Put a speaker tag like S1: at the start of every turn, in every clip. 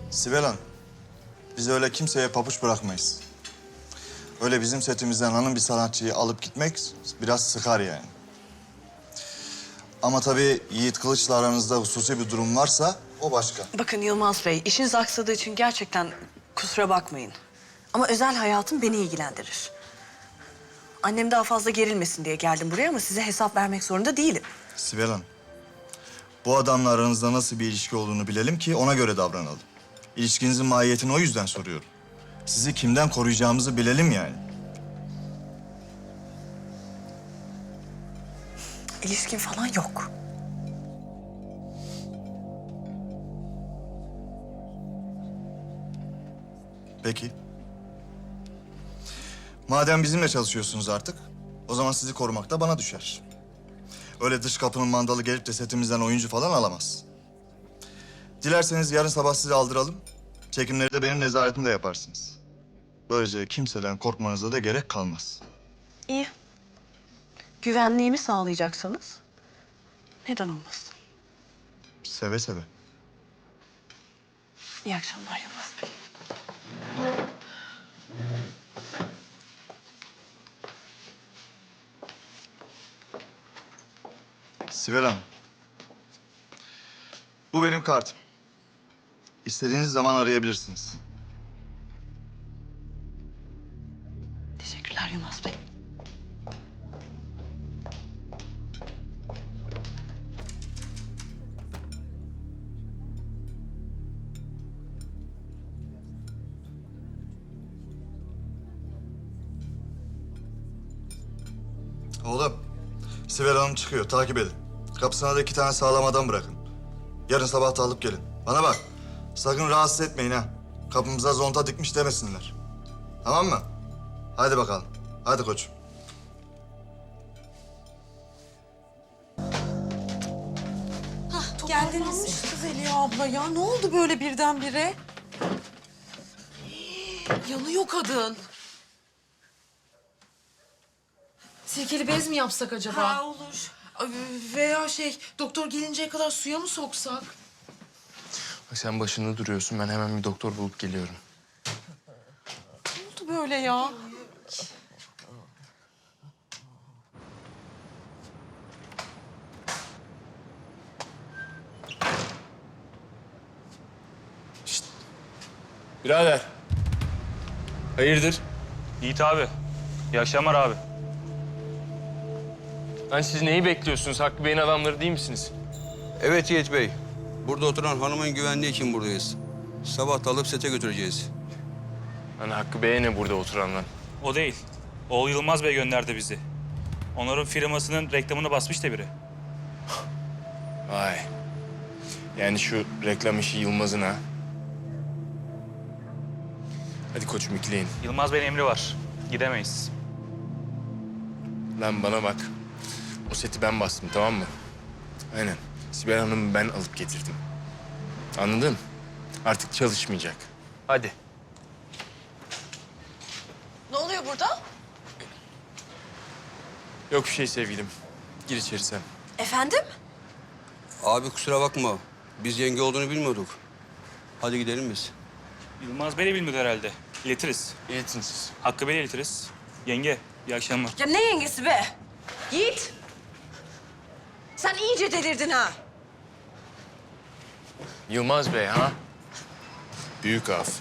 S1: Sibel Hanım, biz öyle kimseye pabuç bırakmayız. Öyle bizim setimizden hanım bir sanatçıyı alıp gitmek biraz sıkar yani. Ama tabii Yiğit Kılıç'la aranızda hususi bir durum varsa o başka.
S2: Bakın Yılmaz Bey, işiniz aksadığı için gerçekten kusura bakmayın. Ama özel hayatım beni ilgilendirir. Annem daha fazla gerilmesin diye geldim buraya ama size hesap vermek zorunda değilim.
S1: Sibel Hanım, bu adamla aranızda nasıl bir ilişki olduğunu bilelim ki ona göre davranalım. İlişkinizin mahiyetini o yüzden soruyorum. Sizi kimden koruyacağımızı bilelim yani.
S2: İlişkin falan yok.
S1: Peki. Madem bizimle çalışıyorsunuz artık, o zaman sizi korumak da bana düşer. Öyle dış kapının mandalı gelip de setimizden oyuncu falan alamaz. Dilerseniz yarın sabah sizi aldıralım. Çekimleri de benim nezaretimde yaparsınız. Böylece kimseden korkmanıza da gerek kalmaz.
S2: İyi. Güvenliğimi sağlayacaksanız neden olmasın?
S1: Seve seve.
S2: İyi akşamlar Yılmaz Bey.
S1: Sibel Hanım. Bu benim kartım. İstediğiniz zaman arayabilirsiniz.
S2: Teşekkürler Yılmaz Bey.
S1: Oğlum, Sibel Hanım çıkıyor. Takip edin. Kapısına da 2 tane sağlam adam bırakın. Yarın sabah da alıp gelin. Bana bak, sakın rahatsız etmeyin ha. Kapımıza zonta dikmiş demesinler. Tamam mı? Hadi bakalım. Hadi koçum.
S3: Geldiniz. Kız Zeliha abla ya. Ne oldu böyle birdenbire? Yanıyor kadın. Sirkeli bez mi yapsak acaba?
S4: Ha, olur.
S3: Veya doktor gelinceye kadar suya mı soksak?
S5: Bak sen başında duruyorsun. Ben hemen bir doktor bulup geliyorum.
S3: Ne oldu böyle ya?
S5: Birader. Hayırdır?
S6: Yiğit abi. İyi akşamlar abi.
S5: Lan siz neyi bekliyorsunuz? Hakkı Bey'in adamları değil misiniz?
S7: Evet Yiğit Bey. Burada oturan hanımın güvenliği için buradayız. Sabah da alıp sete götüreceğiz.
S5: Lan Hakkı Bey'e ne burada oturan lan?
S6: O değil. Oğul Yılmaz Bey gönderdi bizi. Onların firmasının reklamını basmış da biri.
S5: Vay. Yani şu reklam işi Yılmaz'ın ha. Hadi koçum ikleyin.
S6: Yılmaz Bey'in emri var. Gidemeyiz.
S5: Lan bana bak. O seti ben bastım, tamam mı? Aynen. Sibel Hanım'ı ben alıp getirdim. Anladın? Artık çalışmayacak. Hadi.
S2: Ne oluyor burada?
S5: Yok bir şey sevgilim. Gir içeri sen.
S2: Efendim?
S7: Abi kusura bakma. Biz yenge olduğunu bilmiyorduk. Hadi gidelim biz.
S6: Yılmaz Bey de bilmiyordu herhalde. İletiriz.
S5: İletin siz.
S6: Hakkı Bey'le iletiriz. Yenge, iyi akşamlar.
S2: Ya ne yengesi be? Yiğit! Sen iyice delirdin ha.
S5: Yılmaz Bey ha? Büyük af.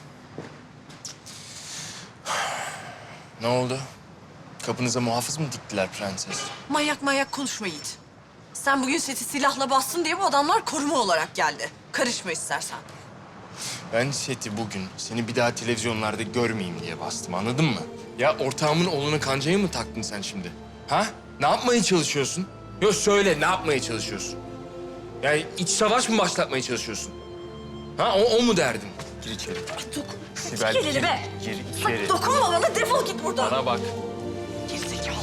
S5: Ne oldu? Kapınıza muhafız mı diktiler prenses?
S2: Manyak konuşma Yiğit. Sen bugün seti silahla bastın diye bu adamlar koruma olarak geldi. Karışma istersen.
S5: Ben seti bugün seni bir daha televizyonlarda görmeyeyim diye bastım, anladın mı? Ya ortağımın oğluna kancayı mı taktın sen şimdi? Ha? Ne yapmaya çalışıyorsun? Yok söyle, ne yapmaya çalışıyorsun? Yani iç savaş mı başlatmaya çalışıyorsun? Ha, o mu derdin? Gir içeri. Sibel,
S2: Gel hele be.
S5: Gir
S2: Bak
S5: içeri.
S2: dokunma bana, defol git buradan.
S5: Bana bak.
S2: Gerizekalı.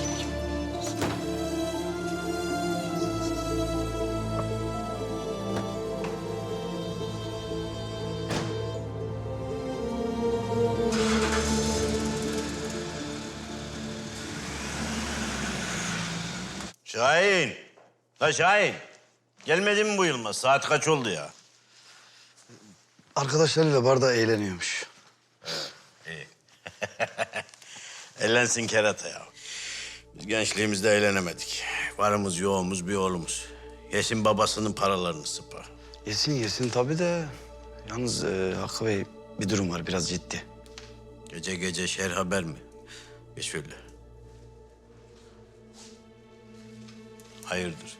S8: Şahin. La Şahin. Gelmedi mi bu Yılmaz? Saat kaç oldu ya?
S4: Arkadaşlarıyla barda eğleniyormuş.
S8: Eğlensin kerata ya. Biz gençliğimizde eğlenemedik. Varımız yoğumuz bir oğlumuz. Yesin babasının paralarını sıpa.
S4: Yesin tabii de. Yalnız Hakkı Bey bir durum var biraz ciddi.
S8: Gece gece şer haber mi? Geç şöyle. Hayırdır?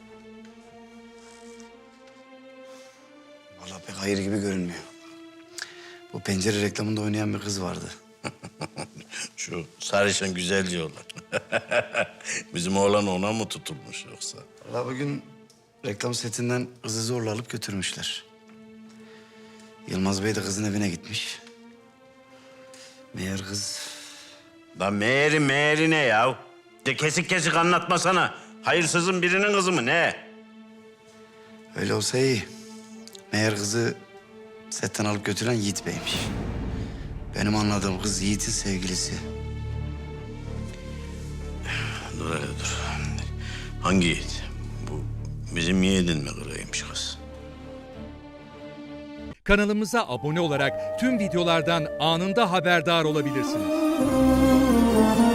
S4: Vallahi pek hayır gibi görünmüyor. Bu pencere reklamında oynayan bir kız vardı.
S8: Şu sarışın güzelce olan. Bizim oğlan ona mı tutulmuş yoksa?
S4: Vallahi bugün reklam setinden kızı zorla alıp götürmüşler. Yılmaz Bey de kızın evine gitmiş. Meğer kız...
S8: Lan meğeri ne ya? De kesik kesik anlatmasana. Hayırsızın birinin kızı mı ne?
S4: Öyle olsa iyi. Meğer kızı setten alıp götüren Yiğit Bey'miş. Benim anladığım kız Yiğit'in sevgilisi.
S8: Dur hele dur. Hangi yiğit? Bu bizim yiğidin mi kıraymış kız?
S9: Kanalımıza abone olarak tüm videolardan anında haberdar olabilirsiniz.